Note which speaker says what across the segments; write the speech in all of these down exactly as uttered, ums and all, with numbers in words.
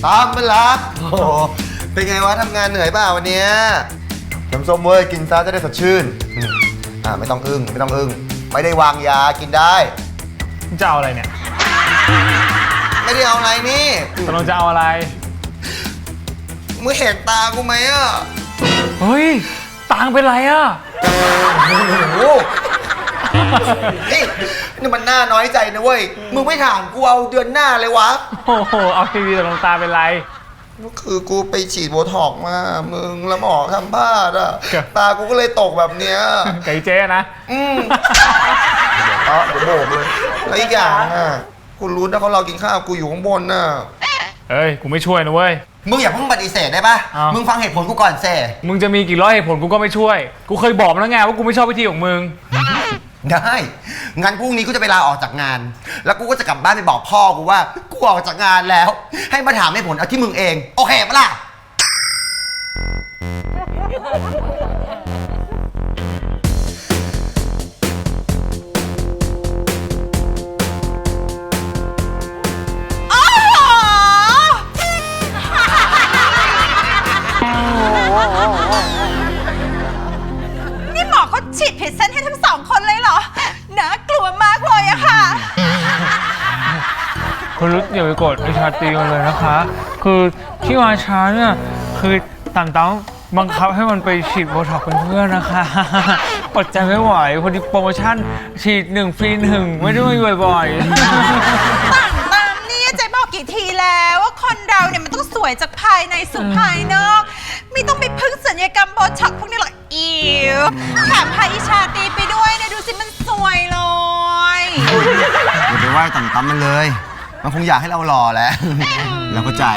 Speaker 1: ตามไปรักโอ้โหเป็นไงวะทำงานเหนื่อยเปล่าวันนี้น้ำส้มเว้ยกินซะจะได้สดชื่นอ่าไม่ต้องอึ้งไม่ต้องอึ้งไม่ได้วางยากินได้
Speaker 2: จะเอาอะไรเนี่ย
Speaker 1: ไม่ได้เอาอะไรนี่
Speaker 2: ตกลงจะเอาอะไร
Speaker 1: มึงเห็นตากูไหมอ่ะ
Speaker 2: เฮ้ยตางเป็นไรอ่ะ
Speaker 1: โอ้โหนี่นี่มันน่าน้อยใจนะเว้ยมึงไม่ถามกูเอาเดือนหน้าเลยวะ
Speaker 2: โอ้โหเอาทีวีตกลงตาเป็นไร
Speaker 1: คือกูไปฉีดโบท็อกมามึงแล้วหมอทำพลาดอ่ะตากูก็เลยตกแบบเนี้ย
Speaker 2: ไก่เจ๊นะ
Speaker 1: อืมเดี๋ยวเดี๋ยวโบกเลยแล้วอีกอย่างอ่ะคุณรู้นะเขาเรากินข้าวกูอยู่ข้างบนน่ะ
Speaker 2: เฮ้ยกูไม่ช่วยนะเว้ย
Speaker 1: มึงอย่าเพิ่งปฏิเสธได้ปะมึงฟังเหตุผลกูก่อนเซ่
Speaker 2: มึงจะมีกี่ร้อยเหตุผลกูก็ไม่ช่วยกูเคยบอกแล้วไงว่ากูไม่ชอบวิธีของมึง
Speaker 1: ได้งั้นพรุ่งนี้กูจะไปลาออกจากงานแล้วกูก็จะกลับบ้านไปบอกพ่อกูว่ากูออกจากงานแล้วให้มาถามเหตุผลเอาที่มึงเองโอเคปะล่ะ
Speaker 3: นี่หมอเขาฉีดผิดเส้นให้ทั้งสองคนเลยเหรอน่ากลัวมากเลยอะค่ะ
Speaker 2: คุณรุตอย่าไปกดไอชาตรีมันเลยนะคะคือที่มาช้าเนี่ยคือต่างต้องบังคับให้มันไปฉีดโบท็อกซ์เป็นเพื่อนนะคะอดใจไม่ไหวพอดีโปรโมชั่นฉีดหนึ่งฟรีหนึ่งไม่ได้มาบ่อยๆ
Speaker 3: ต่างตามนี่เจ๊บอกกี่ทีแล้วว่าคนเราเนี่ยมันต้องสวยจากภายในสู่ภายนอกไม่ต้องไปพึ่งศัลยกรรมโบท็อกซ์พวกนี้หรอกอิวแถมพาอิชาตีไปด้วยนะดูสิมันสวยเลย
Speaker 1: อย่าไปไหว้ต่ำๆมันเลยมันคงอยากให้เราหล่อแหละเราเข้าใจ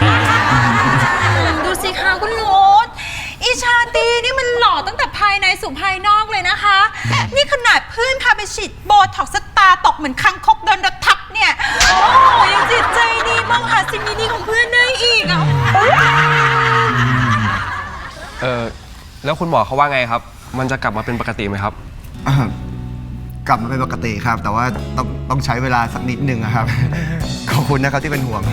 Speaker 3: ดูสิคะคุณโรสอิชาตีนี่มันหล่อตั้งแต่ภายในสู่ภายนอกเลยนะคะนี่ขนาดเพื่อนพาไปฉีดโบท็อกซ์สตาตกเหมือนคังคกโดนรถทับเนี่ยโอ้ยยังจิตใจดีมองหาสิ่งดีๆของเพื่อนได้อีกอ่ะ
Speaker 4: เออแล้วคุณหมอเขาว่าไงครับมันจะกลับมาเป็นปกติไหมครับ
Speaker 1: กลับมาเป็นปกติครับแต่ว่าต้องต้องใช้เวลาสักนิดนึงครับขอบคุณนะครับที่เป็นห่วง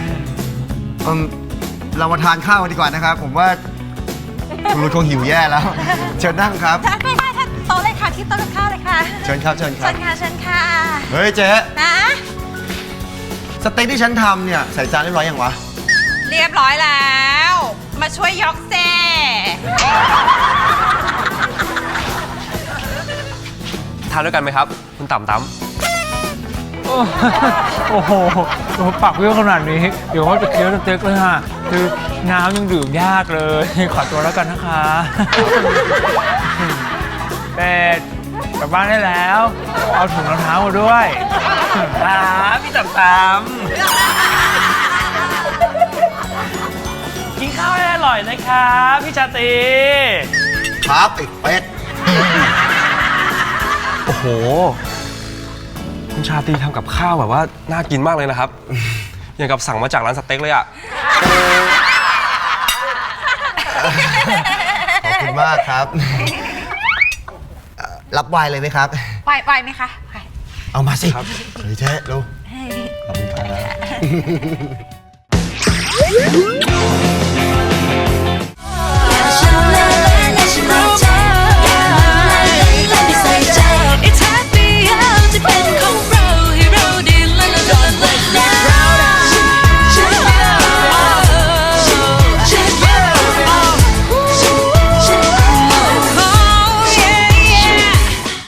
Speaker 1: เรามาทานข้าวกันดีกว่านะครับผมว่าคุณรู้คงหิวแย่แล้วเชิญนั่งครับ
Speaker 3: ค่ะค่ะค่ะโต๊ะเลยค่ะที่โต๊ะกับข้าวเลยค่ะ
Speaker 1: เชิญครับเชิญครับ
Speaker 3: เชิญค่ะเชิญค่ะ
Speaker 1: เฮ้ยเจ๊
Speaker 3: นะ
Speaker 1: สเต็กที่ฉันทำเนี่ยใส่จานเรียบร้อยยังวะ
Speaker 3: เรียบร้อยแล้วมาช่วยยกเซ่
Speaker 4: ทานด้วยกันไหมครับคุณต่ำตั้ม
Speaker 2: โอ้โหปักเยอะขนาดนี้เดี๋ยวว่าจะเคี้ยวสเต็กเลยฮะคือน้ำยังดื่มยากเลยขอตัวแล้วกันนะคะเป็ดกลับบ้านได้แล้วเอาถุงรองเท้ามาด้วยครับพี่ต่ำตั้มกินข้าวให้อร่อยนะครับพี่ชาตรี
Speaker 1: ครับไอ้เป็ด
Speaker 4: โอ้โหคุณชาตรีทำกับข้าวแบบว่าน่ากินมากเลยนะครับอย่างกับสั่งมาจากร้านสเต็กเลยอ่ะ
Speaker 1: ขอบคุณมากครับรับไวน์เลยไหมครับ
Speaker 3: ไวน์ไวน์ไหมคะ
Speaker 1: เอามาสิเฮ้ยเจ๊ดูขอบคุณครับ